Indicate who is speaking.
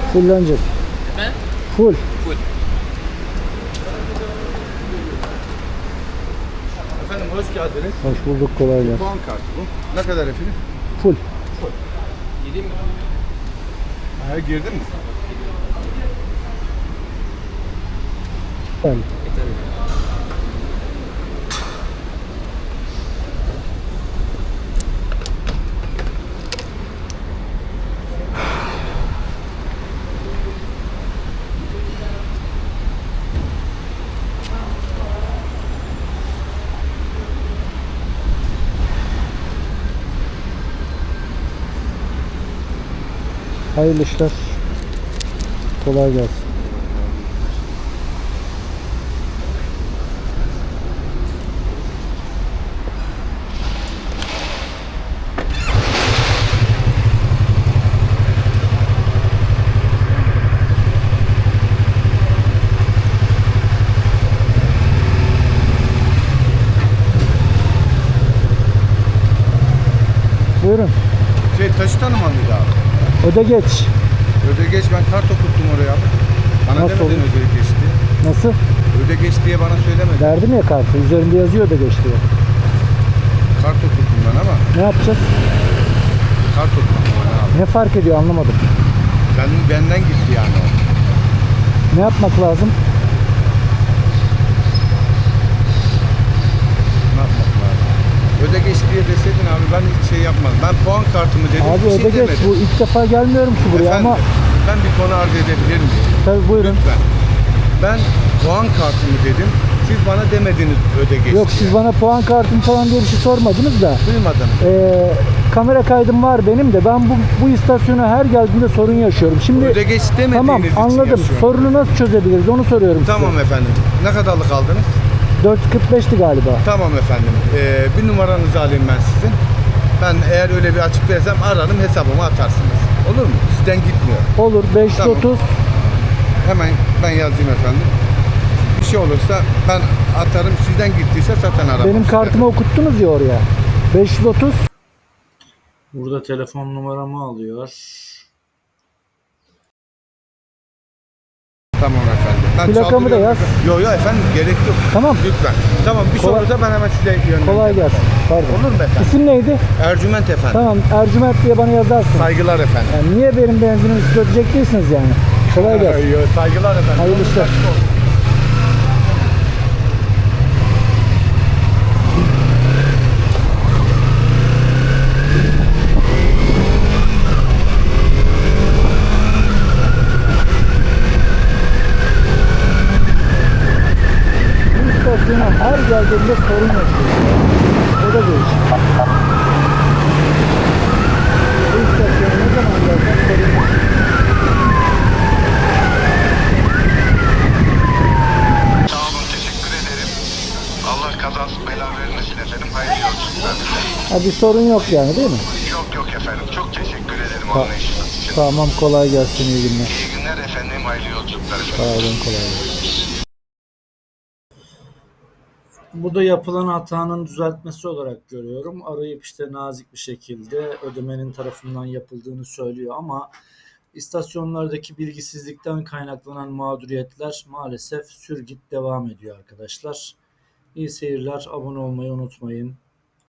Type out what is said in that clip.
Speaker 1: Fullenecek.
Speaker 2: Efendim?
Speaker 1: Full.
Speaker 2: Full.
Speaker 3: Efendim hoş geldiniz.
Speaker 1: Hoş bulduk, kolay gelsin.
Speaker 3: Puan kartı bu. Ne kadar efendim?
Speaker 1: Full.
Speaker 2: Gideyim mi?
Speaker 3: Ha, girdin mi?
Speaker 1: Yani.
Speaker 2: Tabii.
Speaker 1: Hayırlı işler. Kolay gelsin. Buyurun.
Speaker 3: Taşı tanıman mıydı abi?
Speaker 1: Öde geç.
Speaker 3: Ödegeç, ben kart okuttum oraya abi. Bana
Speaker 1: Nasıl
Speaker 3: demedin
Speaker 1: olur?
Speaker 3: ödegeç diye.
Speaker 1: Nasıl?
Speaker 3: Ödegeç diye bana söylemedin.
Speaker 1: Verdim ya kartı. Üzerinde yazıyor öde geç diye.
Speaker 3: Kart okuttum ben ama.
Speaker 1: Ne yapacağız?
Speaker 3: Kart okuttum ben abi.
Speaker 1: Ne fark ediyor anlamadım.
Speaker 3: Benden gitti yani o.
Speaker 1: Ne yapmak lazım?
Speaker 3: Ne yapmak lazım? Ödegeç diye deseydin abi, ben hiç şey yapmadım. Ben puan kartımı dedim,
Speaker 1: Abi
Speaker 3: bir şey
Speaker 1: öde geç.
Speaker 3: demedim.
Speaker 1: Bu ilk defa gelmiyorum ki buraya
Speaker 3: Efendim,
Speaker 1: ama
Speaker 3: ben bir konu arz edebilir miyim?
Speaker 1: tabii buyurun.
Speaker 3: Lütfen. Ben puan kartımı dedim. Siz bana demediniz ödegeç
Speaker 1: Yok,
Speaker 3: diye.
Speaker 1: siz bana puan kartım falan diye bir şey sormadınız da.
Speaker 3: Duymadım.
Speaker 1: Kamera kaydım var benim de. Ben bu istasyona her geldiğimde sorun yaşıyorum. Şimdi
Speaker 3: Ödegeç demediğiniz
Speaker 1: tamam,
Speaker 3: için
Speaker 1: anladım.
Speaker 3: yaşıyorum.
Speaker 1: Sorunu nasıl çözebiliriz onu soruyorum
Speaker 3: Tamam
Speaker 1: size.
Speaker 3: efendim. Ne kadarlık aldınız?
Speaker 1: 4.45'ti galiba.
Speaker 3: Tamam efendim. Bir numaranızı alayım ben sizin. Ben eğer öyle bir açık versem ararım, hesabıma atarsınız. Olur mu? Sizden gitmiyor.
Speaker 1: Olur, 530.
Speaker 3: Hemen ben yazayım efendim. Bir şey olursa ben atarım. Sizden gittiyse zaten aramam.
Speaker 1: Benim kartımı okuttunuz ya oraya. 530.
Speaker 4: Burada telefon numaramı alıyor.
Speaker 3: Tamam efendim. Ben
Speaker 1: Plakamı da yaz.
Speaker 3: Yok yok efendim, gerek yok.
Speaker 1: Tamam.
Speaker 3: Lütfen. Tamam, bir şey
Speaker 1: Kolay-
Speaker 3: olursa ben hemen size yönlendireyim.
Speaker 1: Kolay gelsin. Pardon.
Speaker 3: Olur mu efendim?
Speaker 1: İsim neydi?
Speaker 3: Ercüment efendim.
Speaker 1: Tamam, Ercüment diye bana yazarsın.
Speaker 3: Saygılar efendim.
Speaker 1: Yani niye benim benzinimi siz ödeyecek değilsiniz yani? Kolay gelsin.
Speaker 3: Yok, saygılar efendim.
Speaker 1: Hayırlı işler. Bu istasyona her geldiğimde sorun yaşıyorum. O da değişik. Bu istasyona ne zaman gelsem sorun yaşıyorum.
Speaker 5: Sağ olun, teşekkür ederim. Allah kazasız bela vermesin efendim. Hayırlı yolculuklar dilerim.
Speaker 1: Ha, bir sorun yok yani değil mi?
Speaker 5: Yok yok efendim. Çok teşekkür ederim
Speaker 1: Ta-
Speaker 5: anlayışınız için.
Speaker 1: Tamam, kolay gelsin, iyi günler.
Speaker 5: İyi günler efendim. Hayırlı yolculuklar efendim.
Speaker 1: Sağ olun, kolay gelsin.
Speaker 4: Bu da yapılan hatanın düzeltmesi olarak görüyorum. Arayıp işte nazik bir şekilde ödemenin tarafından yapıldığını söylüyor ama istasyonlardaki bilgisizlikten kaynaklanan mağduriyetler maalesef sürgüt devam ediyor arkadaşlar. İyi seyirler, abone olmayı unutmayın.